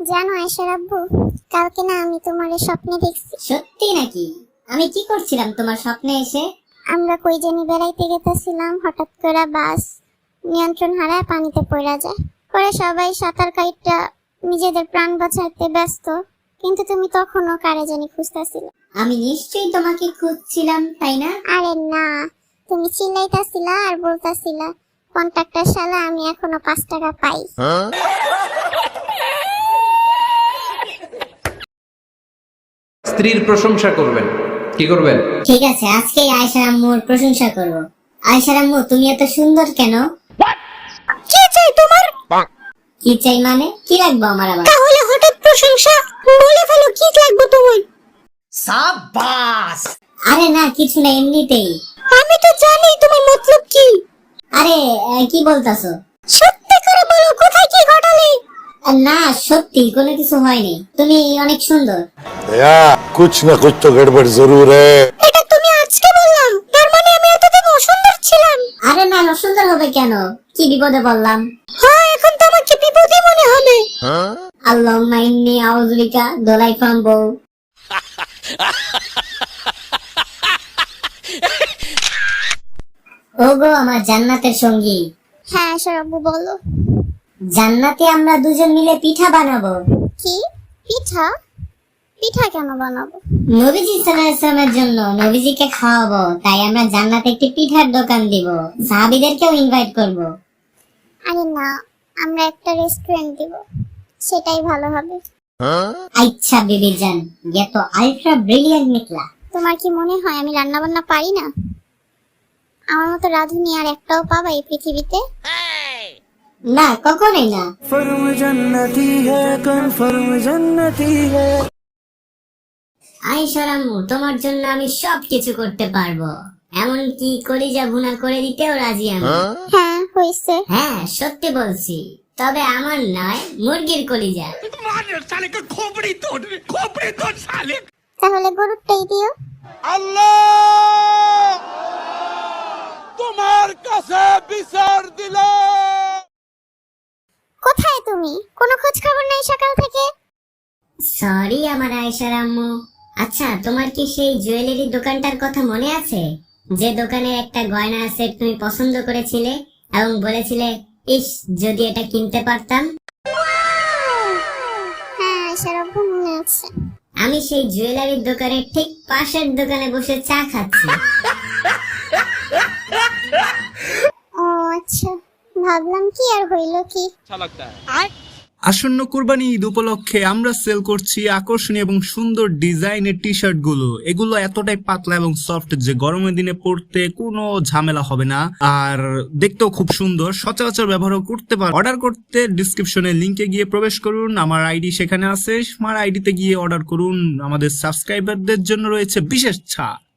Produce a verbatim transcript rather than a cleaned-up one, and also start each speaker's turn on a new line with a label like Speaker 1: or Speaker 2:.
Speaker 1: জানো আয়েশার আব্বু, কালকে না আমি তোমার স্বপ্নে দেখছি।
Speaker 2: সত্যি নাকি? আমি কি করছিলাম তোমার স্বপ্নে এসে?
Speaker 1: আমরা কই জানি বেড়াইতে গেতেছিলাম, হঠাৎ করে বাস নিয়ন্ত্রণ হারায় পানিতে পড়া যায়। পরে সবাই সাঁতার কাইটা নিজেদের প্রাণ বাঁচাইতে ব্যস্ত, কিন্তু তুমি তখনও কারে জানি খুঁজতেছিলে।
Speaker 2: আমি নিশ্চয়ই তোমাকে খুঁজছিলাম, তাই না?
Speaker 1: আরে না, তুমি চিল্লাইতাছিলা আর বলতাছিলা, কন্ট্রাক্টর শালা আমি এখনো পাঁচ টাকা পাই।
Speaker 3: স্ত্রীর প্রশংসা করবেন। কি করবেন?
Speaker 2: ঠিক আছে, আজকেই আয়েশার আম্মুর প্রশংসা করব। আয়েশার আম্মু, তুমি এত সুন্দর কেন?
Speaker 1: কি চাই তোমার?
Speaker 2: কি চাই মানে? কি লাগবে আমার আবার?
Speaker 1: তাহলে হঠাৎ প্রশংসা বলে ফেলো, কি লাগবে তোমার?
Speaker 4: সাবাস!
Speaker 2: আরে না, কিছু না, এমনিতেই।
Speaker 1: আমি তো জানি তোমার মতলব কি।
Speaker 2: আরে আহ, কি বলতাছো?
Speaker 1: সত্যি করে বলো, কোথায় কি ঘটালে?
Speaker 2: আহ, না, সত্যি কোনো কিছু হয়নি। তুমি অনেক সুন্দর।
Speaker 5: दया कुछ न कुछ तो गड़बड़ जरूर है।
Speaker 1: এটা তুমি আজকে বললাম, তার মানে আমি এতদিন অসুন্দর ছিলাম?
Speaker 2: আরে না, অসুন্দর হবে কেন? কি বিপদে বললাম?
Speaker 1: হ্যাঁ, এখন তো আমাকে বিপদই মনে হবে।
Speaker 2: আল্লাহুম্মা ইন্নী আউযু বিকা, দোলাই ফ্রম বউ। ওগো আমার জান্নাতের সঙ্গী,
Speaker 1: হ্যাঁ সরব্বু বলো।
Speaker 2: জান্নাতে আমরা দুজন মিলে পিঠা বানাবো।
Speaker 1: কি পিঠা? পিঠা কেন বানাবো?
Speaker 2: নবীজি সাল্লাল্লাহু আলাইহি ওয়াসাল্লামের জন্য, নবীজিকে খাওয়াবো, তাই আমরা জান্নাতে একটি পিঠার দোকান দিব। সাহাবীদেরকেও ইনভাইট করব।
Speaker 1: আরে না, আমরা একটা রেস্টুরেন্ট দিব, সেটাই ভালো হবে।
Speaker 2: আচ্ছা বেবি জান, ये तो আলট্রা ব্রিলিয়ান্ট নিকলা।
Speaker 1: তোমার কি মনে হয় আমি রান্না বান্না পারি না? আমার মতো রাঁধুনি আর একটাও পাবা এই পৃথিবীতে?
Speaker 2: না, কখনোই না।
Speaker 4: फर्म जन्नती है, कन्फर्म जन्नती है।
Speaker 2: আয়েশা আম্মু, তোমার জন্য আমি সব কিছু করতে পারবো, এমনকি কলিজা ভুনা করে দিতেও রাজি আমি।
Speaker 1: হ্যাঁ হইছে।
Speaker 2: হ্যাঁ, সত্যি বলছি, তবে আমার নয়, মুরগির কলিজা।
Speaker 1: তাহলে গরুরটাই দিও।
Speaker 5: अल्लाह तुम्हार काছে বিচার দিল।
Speaker 1: কোথায় তুমি? কোনো খোঁজ খবর নাই সকাল থেকে।
Speaker 2: সরি আমার আয়েশা আম্মু। আচ্ছা, তোমার কি সেই জুয়েলারি দোকানটার কথা মনে আছে, যে দোকানের একটা গয়নার সেট তুমি পছন্দ করেছিলে এবং বলেছিলে, ইস যদি এটা কিনতে পারতাম?
Speaker 1: হ্যাঁ সরব্বু মনে আছে।
Speaker 2: আমি সেই জুয়েলারির দোকানের ঠিক পাশের দোকানে বসে চা খাচ্ছি।
Speaker 1: ও আচ্ছা, ভাবলাম কি আর হইল কি।
Speaker 6: আসন্ন কুরবানি ঈদ উপলক্ষে আমরা সেল করছি আকর্ষণীয় এবং সুন্দর ডিজাইনের টি শার্ট গুলো। এগুলো এতটাই পাতলা এবং সফট যে গরমের দিনে পরতে কোনো ঝামেলা হবে না, আর দেখতেও খুব সুন্দর, সচরাচর ব্যবহারও করতে পার। অর্ডার করতে ডিসক্রিপশনে লিংকে গিয়ে প্রবেশ করুন, আমার আইডি সেখানে আছে, আমার আইডিতে গিয়ে অর্ডার করুন। আমাদের সাবস্ক্রাইবারদের জন্য রয়েছে বিশেষ ছাড়।